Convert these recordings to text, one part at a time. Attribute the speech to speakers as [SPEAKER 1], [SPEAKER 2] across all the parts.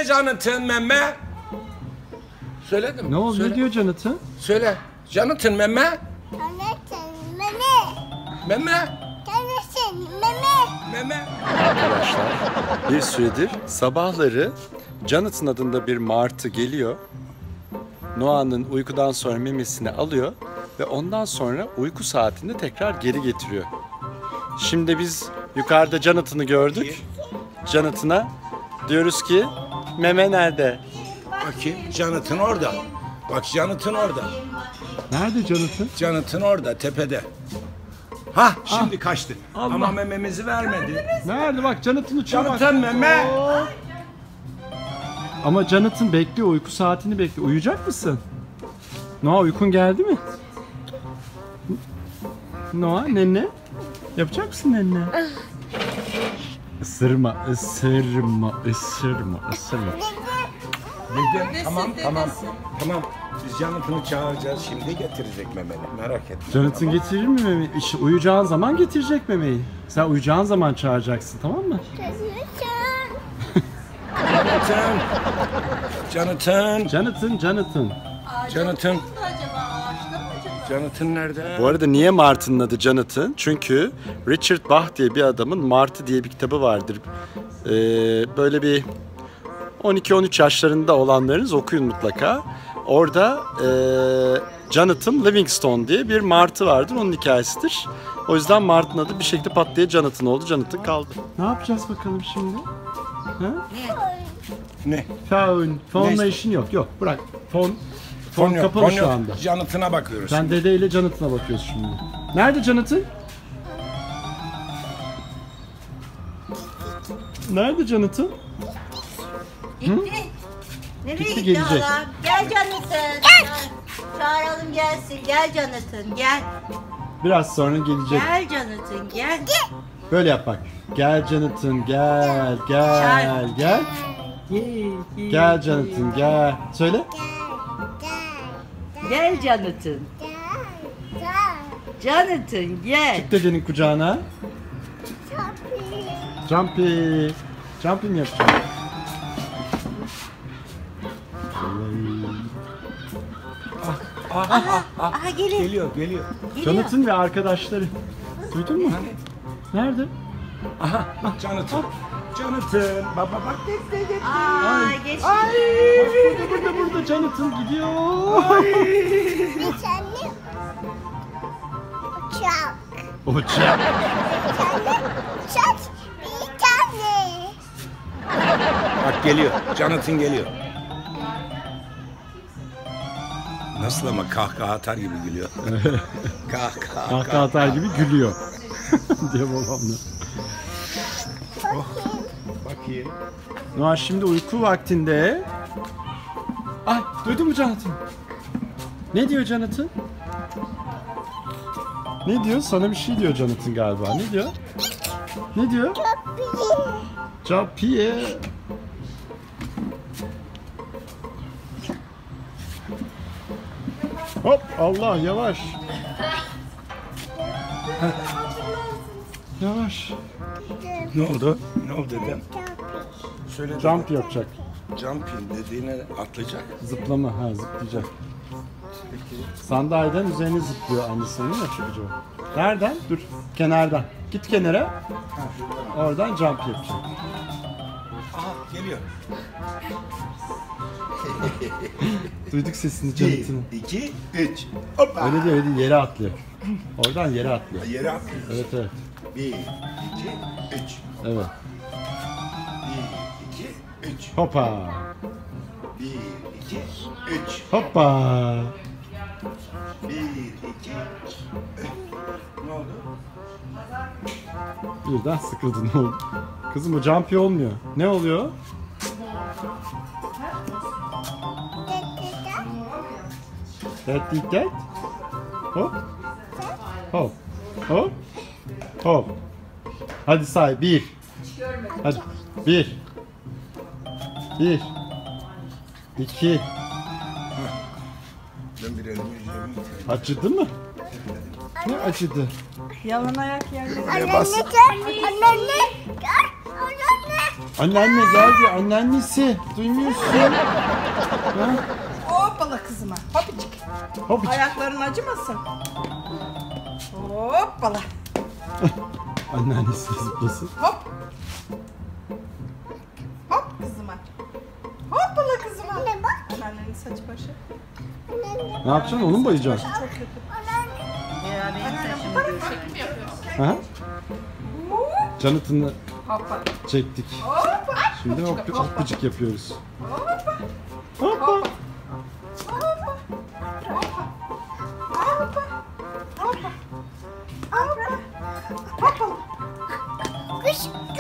[SPEAKER 1] Söyle Jonathan meme. Söyledim.
[SPEAKER 2] Ne oldu? Ne diyor Jonathan?
[SPEAKER 1] Söyle. Jonathan meme.
[SPEAKER 3] Jonathan meme.
[SPEAKER 1] Meme.
[SPEAKER 3] Jonathan meme.
[SPEAKER 1] Meme.
[SPEAKER 2] Arkadaşlar bir süredir sabahları Jonathan adında bir martı geliyor. Noah'nın uykudan sonra memesini alıyor ve ondan sonra uyku saatinde tekrar geri getiriyor. Şimdi biz yukarıda Jonathan'ı gördük. Jonathan'a diyoruz ki meme nerede?
[SPEAKER 1] Bakayım. Jonathan orada. Bak Jonathan orada.
[SPEAKER 2] Nerede Jonathan?
[SPEAKER 1] Jonathan orada tepede. Hah şimdi kaçtı. Ama mememizi vermedi.
[SPEAKER 2] Nerede bak Jonathan uçuyor bak.
[SPEAKER 1] Jonathan meme.
[SPEAKER 2] Ama Jonathan bekliyor, uyku saatini bekliyor. Uyuyacak mısın? Noah uykun geldi mi? Noah nenne? Yapacak mısın nenne? Isırma, ısırma, ısırma, ısırma.
[SPEAKER 1] Dedim tamam. Biz Jonathan'ı çağıracağız şimdi getirecek memeni. Merak etme.
[SPEAKER 2] Jonathan getirir mi memeyi? İşte uyuyacağın zaman getirecek memeyi. Sen uyuyacağın zaman çağıracaksın, tamam mı? Jonathan.
[SPEAKER 1] Jonathan nerede?
[SPEAKER 2] Bu arada niye Martı'nın adı Jonathan? Çünkü Richard Bach diye bir adamın Martı diye bir kitabı vardır. Böyle bir 12-13 yaşlarında olanlarınız okuyun mutlaka. Orada Jonathan Livingstone diye bir martı vardır. Onun hikayesidir. O yüzden martının adı bir şekilde pat diye Jonathan oldu. Jonathan kaldı. Ne yapacağız bakalım şimdi? Ha?
[SPEAKER 1] Ne?
[SPEAKER 2] Phone'la işin yok. Yok bırak. Phone
[SPEAKER 1] Fon
[SPEAKER 2] kapalı şu anda.
[SPEAKER 1] Jonathan'a bakıyoruz.
[SPEAKER 2] Sen Dede ile Jonathan'a bakıyorsun şimdi. Nerede Jonathan? Nerede Jonathan?
[SPEAKER 4] Gitti. Nereye
[SPEAKER 2] Gitti,
[SPEAKER 4] gitti
[SPEAKER 2] gelecek.
[SPEAKER 4] adam? Gel Jonathan. Çağıralım gelsin. Gel Jonathan gel.
[SPEAKER 2] Biraz sonra gelecek.
[SPEAKER 4] Gel Jonathan gel.
[SPEAKER 2] Böyle yap bak. Gel Jonathan gel. Gel Jonathan gel. Söyle.
[SPEAKER 4] Gel Jonathan. Jonathan gel.
[SPEAKER 2] Çık dedenin kucağına. Jumpy. Jumpy mi yapacağım?
[SPEAKER 4] Aha gelin.
[SPEAKER 1] Geliyor.
[SPEAKER 2] Jonathan ve arkadaşları. Duydun mu? Nerede?
[SPEAKER 1] Aha Jonathan. Baba bak.
[SPEAKER 4] Aa geçti.
[SPEAKER 2] Burada Jonathan gidiyor.
[SPEAKER 3] Bir tane uçak.
[SPEAKER 2] Uçak.
[SPEAKER 3] Uçak bir tane.
[SPEAKER 1] Bak geliyor. Jonathan geliyor. Nasıl ama kahkaha atar gibi gülüyor.
[SPEAKER 2] Kahkaha atar gibi gülüyor. diye babamla.
[SPEAKER 1] Bakayım.
[SPEAKER 2] Noah şimdi uyku vaktinde. Ay duydun mu Jonathan? Ne diyor Jonathan? Ne diyor? Sana bir şey diyor Jonathan galiba. Ne diyor? Ne diyor? Jumpy. Hop Allah yavaş. Yavaş.
[SPEAKER 1] Ne oldu? Ne oldu dedem? Söyle
[SPEAKER 2] Jump yapacak.
[SPEAKER 1] Jumping dediğine atlayacak.
[SPEAKER 2] Zıplama, zıplayacak. Sandalyeden üzerine zıplıyor annesinin ya çocuğu. Nereden? Dur, kenardan. Git kenara. Oradan jump yapacak.
[SPEAKER 1] Aha geliyor.
[SPEAKER 2] Duyduk sesini Jonathan'ın.
[SPEAKER 1] 1, 2, 3. Hoppa.
[SPEAKER 2] Öyle değil, yere atlıyor. Oradan yere atlıyor.
[SPEAKER 1] Yere atlıyor.
[SPEAKER 2] Evet.
[SPEAKER 1] 1, 2, 3.
[SPEAKER 2] Evet.
[SPEAKER 1] 1, 2, 3.
[SPEAKER 2] Hoppa.
[SPEAKER 1] 1, 2, 3.
[SPEAKER 2] Hoppa.
[SPEAKER 1] 1, 2, 3. Ne oldu?
[SPEAKER 2] Birden sıkıldın ne oldu? Kızım o jumpy olmuyor. Ne oluyor? That. Hop. Hop. Hop. Hop. Hadi say. 1. Hadi. 1. 1. 2.
[SPEAKER 1] Ben bir elimi yüzümü
[SPEAKER 2] Acıdı mı? Ne acıdı?
[SPEAKER 4] Yalan ayak yerine.
[SPEAKER 3] Anne.
[SPEAKER 2] Anneanne geldi. Anneannesi. Duymuyorsun. Ha?
[SPEAKER 5] Hoppala kızıma. Hopicik.
[SPEAKER 2] Hop.
[SPEAKER 5] Ayakların acımasın. Hoppala.
[SPEAKER 2] Anneannesi zıplasın.
[SPEAKER 5] Hop. Hop kızıma. Hoppala kızıma.
[SPEAKER 3] Anne bak.
[SPEAKER 5] Anneannenin saçı başı.
[SPEAKER 3] Anne.
[SPEAKER 2] Ne yapacaksın? Onu mu boyayacaksın?
[SPEAKER 5] Çok kötü.
[SPEAKER 4] Ya benim saçımı görüşelim.
[SPEAKER 2] Ha? Jonathan'ı
[SPEAKER 5] Hoppala.
[SPEAKER 2] çektik.
[SPEAKER 5] Hoppa.
[SPEAKER 2] Şimdi hoppacık yapıyoruz.
[SPEAKER 5] Hoppa.
[SPEAKER 2] Hoppa.
[SPEAKER 5] Hoppa. Hoppa. Hoppa. Hoppa. Hoppa. Hoppala.
[SPEAKER 3] Kış.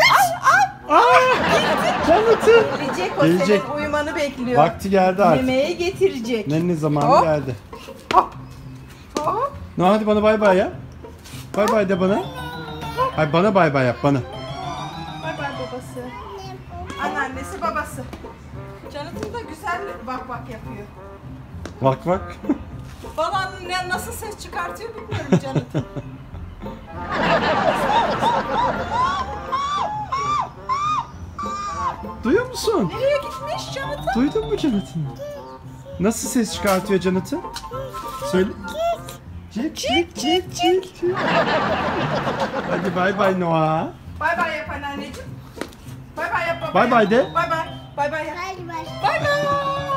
[SPEAKER 2] Jonathan.
[SPEAKER 5] Gelecek o
[SPEAKER 2] Gelecek.
[SPEAKER 5] senin uyumanı bekliyor.
[SPEAKER 2] Vakti geldi artık.
[SPEAKER 5] Yemeğe getirecek.
[SPEAKER 2] Nenni zamanı
[SPEAKER 5] Hop.
[SPEAKER 2] geldi.
[SPEAKER 5] Hop. Hop.
[SPEAKER 2] No, hadi bana bay bay ya. Bay bay de bana. Hayır bana bay bay yap bana.
[SPEAKER 5] Bay bay babası. Anneannesi babası. Jonathan da güzel bak bak yapıyor.
[SPEAKER 2] Bak bak.
[SPEAKER 5] Babanın nasıl ses çıkartıyor bilmiyorum Jonathan.
[SPEAKER 2] Duyuyor musun?
[SPEAKER 5] Nereye gitmiş Jonathan?
[SPEAKER 2] Duydun mu Jonathan? Nasıl ses çıkartıyor Jonathan? Söyle. Cik cik cik cik cik. Hadi bay bay Noah.
[SPEAKER 5] Bay bay yap anneanneciğim. Bay bay yap baba.
[SPEAKER 2] Bay bay de.
[SPEAKER 5] Bay bay. Bay bay yap.
[SPEAKER 3] Bay bay.
[SPEAKER 5] Bay bay.